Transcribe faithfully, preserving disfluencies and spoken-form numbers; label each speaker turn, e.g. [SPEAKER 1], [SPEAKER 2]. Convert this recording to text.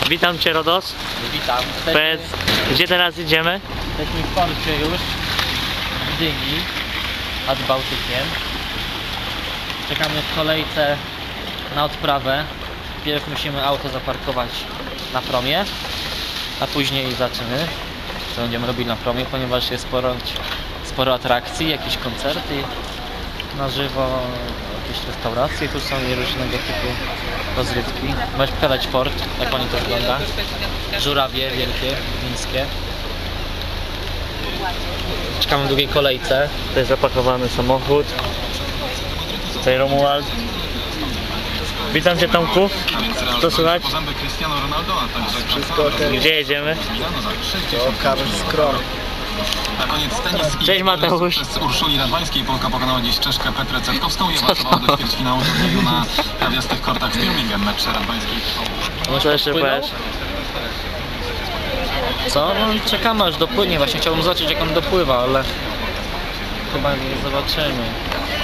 [SPEAKER 1] Witam Cię, Rodos.
[SPEAKER 2] Witam.
[SPEAKER 1] Powiedz, gdzie teraz idziemy?
[SPEAKER 2] Jesteśmy w porcie już w Gdyni nad Bałtykiem. Czekamy w kolejce na odprawę. Pierw musimy auto zaparkować na promie, a później zaczyny, co będziemy robili na promie, ponieważ jest sporo, sporo atrakcji, jakieś koncerty na żywo, jakieś restauracje tu są i różnego typu rozrywki. Możesz pokazać port, jak oni to wygląda. Żurawie wielkie, wińskie. Czekamy w długiej kolejce.
[SPEAKER 1] To jest zapakowany samochód. Tutaj Romuald. Witam Cię, Tomku. Co słychać?
[SPEAKER 3] Wszystko ok.
[SPEAKER 1] Gdzie jedziemy?
[SPEAKER 3] To Karl Skron.
[SPEAKER 4] Na koniec tenis.
[SPEAKER 1] Cześć, Mateusz.
[SPEAKER 4] Przez Urszuli Radwańskiej Polka pokonała dziś Czeszkę Petrę Cetkowską i awansowała do ćwierćfinału turnieju na trawiastych kortach w Birmingham. Mecz Radwańskiej.
[SPEAKER 1] Co jeszcze
[SPEAKER 2] Płynął?
[SPEAKER 1] powiesz?
[SPEAKER 2] Co? No i czekamy aż dopłynie. Właśnie chciałbym zobaczyć, jak on dopływa, ale chyba nie zobaczymy.